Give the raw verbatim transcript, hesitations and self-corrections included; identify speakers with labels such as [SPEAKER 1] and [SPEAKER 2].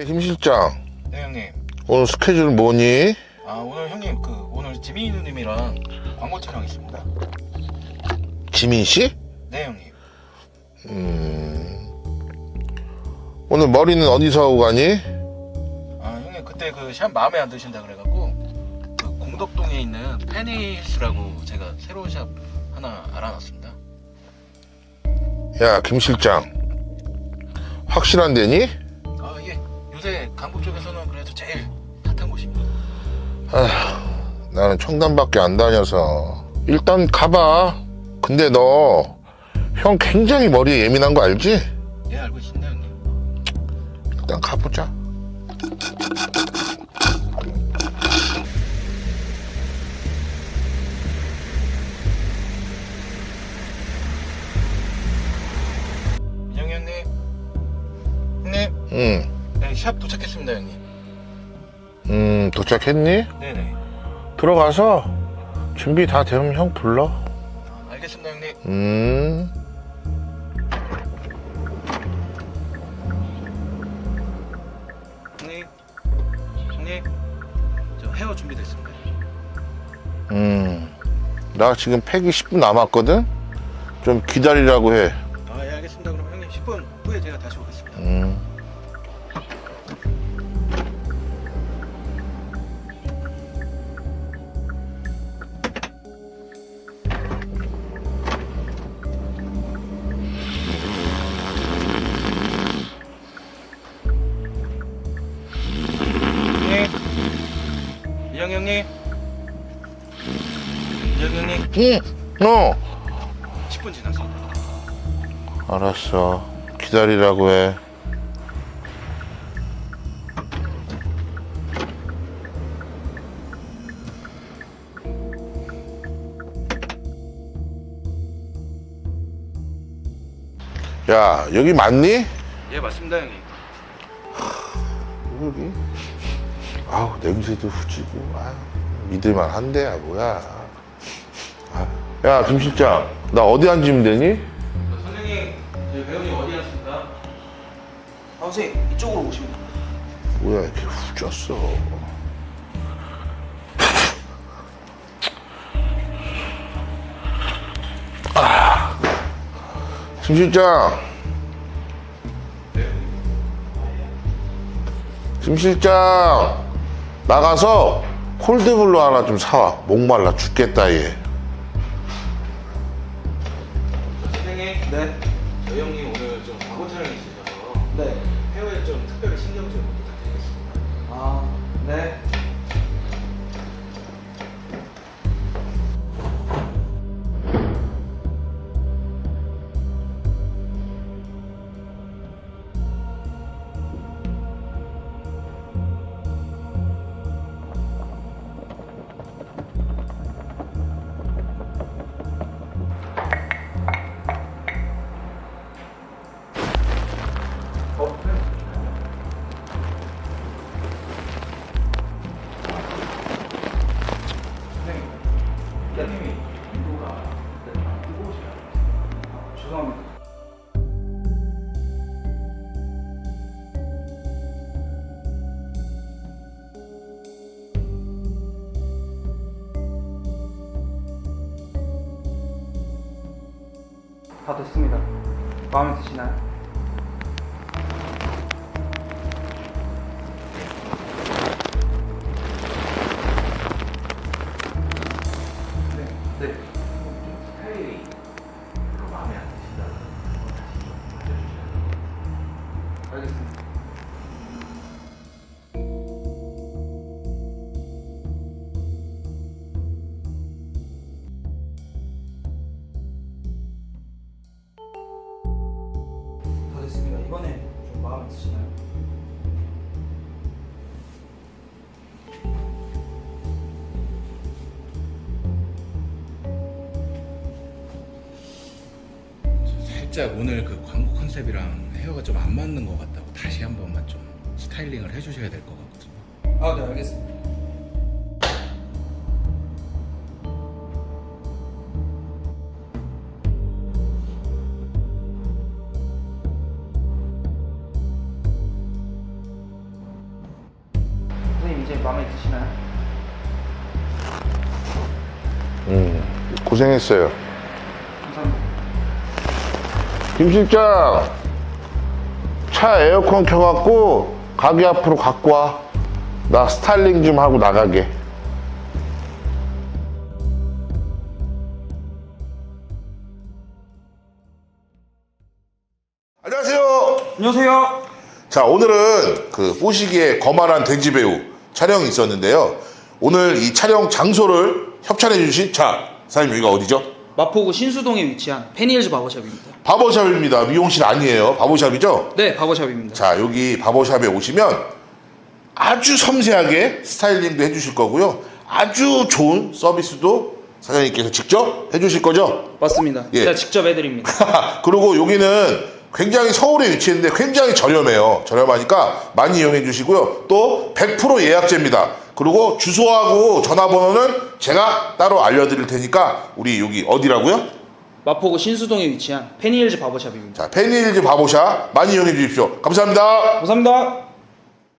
[SPEAKER 1] 김 실장,
[SPEAKER 2] 네 형님.
[SPEAKER 1] 오늘 스케줄 뭐니?
[SPEAKER 2] 아 오늘 형님 그 오늘 지민이 누님이랑 광고 촬영 있습니다.
[SPEAKER 1] 지민 씨?
[SPEAKER 2] 네 형님.
[SPEAKER 1] 음. 오늘 머리는 어디서 하고 가니?
[SPEAKER 2] 아 형님 그때 그 샵 마음에 안 드신다 그래갖고 그 공덕동에 있는 페니힐스라고 제가 새로운 샵 하나 알아놨습니다.
[SPEAKER 1] 야, 김 실장, 확실한 데니?
[SPEAKER 2] 아 예. 요새 강북 쪽에서는 그래도 제일 핫한 곳입니다.
[SPEAKER 1] 나는 청담밖에 안 다녀서 일단 가봐. 근데 너 형 굉장히 머리에 예민한 거 알지?
[SPEAKER 2] 예 알고 있습니다 형님.
[SPEAKER 1] 일단 가보자.
[SPEAKER 2] 민영이 형님. 형님.
[SPEAKER 1] 응.
[SPEAKER 2] 네, 샵 도착했습니다 형님.
[SPEAKER 1] 음, 도착했니?
[SPEAKER 2] 네네.
[SPEAKER 1] 들어가서 준비 다 되면 형 불러.
[SPEAKER 2] 아, 알겠습니다 형님.
[SPEAKER 1] 음.
[SPEAKER 2] 형님. 형님. 저 헤어 준비됐습니다.
[SPEAKER 1] 음. 나 지금 팩이 십 분 남았거든? 좀 기다리라고 해.
[SPEAKER 2] 아 예 알겠습니다. 그럼 형님 십 분 후에 제가 다시 오겠습니다.
[SPEAKER 1] 음.
[SPEAKER 2] 형님. 민영 형님. 민영 형님.
[SPEAKER 1] 응. 어.
[SPEAKER 2] 십 분 지났습니다.
[SPEAKER 1] 알았어. 기다리라고 해. 야, 여기 맞니?
[SPEAKER 2] 예 맞습니다 형님.
[SPEAKER 1] 여기? 아우, 냄새도 후지고. 아유, 믿을만 한데, 야, 뭐야. 아, 야, 김 실장, 나 어디 앉으면 되니?
[SPEAKER 2] 선생님 저희 배우님 어디 갔습니까? 아 선생님 이쪽으로 오시면 됩니다.
[SPEAKER 1] 뭐야, 이렇게 후졌어. 아, 김 실장. 김 실장, 나가서 콜드블루 하나 좀 사와. 목말라 죽겠다, 얘.
[SPEAKER 2] 선생님. 네. 저희 형님 오늘 좀 광고 촬영이 있으셔서
[SPEAKER 3] 네.
[SPEAKER 2] 헤어에 좀 특별히 신경 좀 부탁드리겠습니다.
[SPEAKER 3] 아, 네.
[SPEAKER 2] 형님이 인도가 뜨거우시나요?
[SPEAKER 3] 죄송합니다. 다 됐습니다. 마음에 드시나요? 네. 네.
[SPEAKER 2] 스타일이 별로 마음에 안 드신다. 다시 좀 봐주시나요?
[SPEAKER 3] 알겠습니다. 다 됐습니다. 이번에 좀 마음에 드시나요?
[SPEAKER 2] 살짝 오늘 그 광고 컨셉이랑 헤어가 좀 안 맞는 것 같다고 다시 한 번만 좀 스타일링을 해주셔야 될 것 같거든요.
[SPEAKER 3] 아, 네, 알겠습니다.
[SPEAKER 1] 음, 고생했어요.
[SPEAKER 3] 감사합니다.
[SPEAKER 1] 김 실장, 차 에어컨 켜갖고 가게 앞으로 갖고 와. 나 스타일링 좀 하고 나가게. 안녕하세요.
[SPEAKER 3] 안녕하세요.
[SPEAKER 1] 자, 오늘은 그 뽀시기의 거만한 돼지배우 촬영이 있었는데요. 오늘 이 촬영 장소를 협찬해 주신, 자, 사장님 여기가 어디죠?
[SPEAKER 3] 마포구 신수동에 위치한 페니힐즈 바버샵입니다.
[SPEAKER 1] 바버샵입니다. 미용실 아니에요. 바버샵이죠?
[SPEAKER 3] 네, 바버샵입니다.
[SPEAKER 1] 자, 여기 바버샵에 오시면 아주 섬세하게 스타일링도 해주실 거고요. 아주 좋은 서비스도 사장님께서 직접 해주실 거죠?
[SPEAKER 3] 맞습니다.
[SPEAKER 1] 예.
[SPEAKER 3] 제가 직접 해드립니다.
[SPEAKER 1] 그리고 여기는 굉장히 서울에 위치했는데 굉장히 저렴해요. 저렴하니까 많이 이용해 주시고요. 또 백 퍼센트 예약제입니다. 그리고 주소하고 전화번호는 제가 따로 알려드릴 테니까 우리 여기 어디라고요?
[SPEAKER 3] 마포구 신수동에 위치한 페니힐즈 바버샵입니다.
[SPEAKER 1] 자, 페니힐즈 바보샵 많이 이용해 주십시오. 감사합니다.
[SPEAKER 3] 감사합니다.